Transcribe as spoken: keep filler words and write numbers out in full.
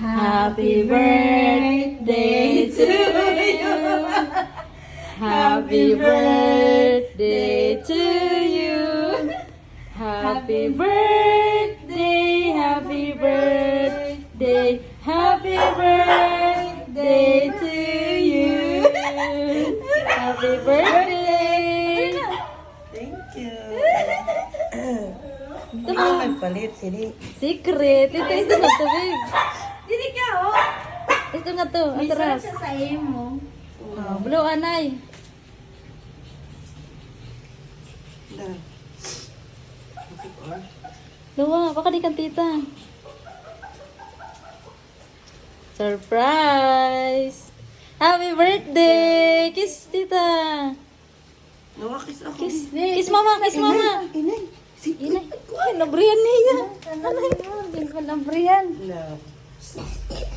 Happy birthday to you. Happy birthday to you. Happy birthday, happy birthday, happy birthday to you. Happy birthday. Thank you. Ito Ito mo. nagpalit, sini. Secret. Ito, ito nga to, babe. Dili ka, oh. Ito nga to, May atras. sarap siya sa imo. Oh, blue anay. Da. Luwa, baka di kang tita. Surprise! Happy birthday! Kiss tita! Nawakis ako. Kiss, kiss mama, kiss mama! Inay. Si Inay, ay, nabriyan niya. Ano yun? Hindi ko nabriyan. No.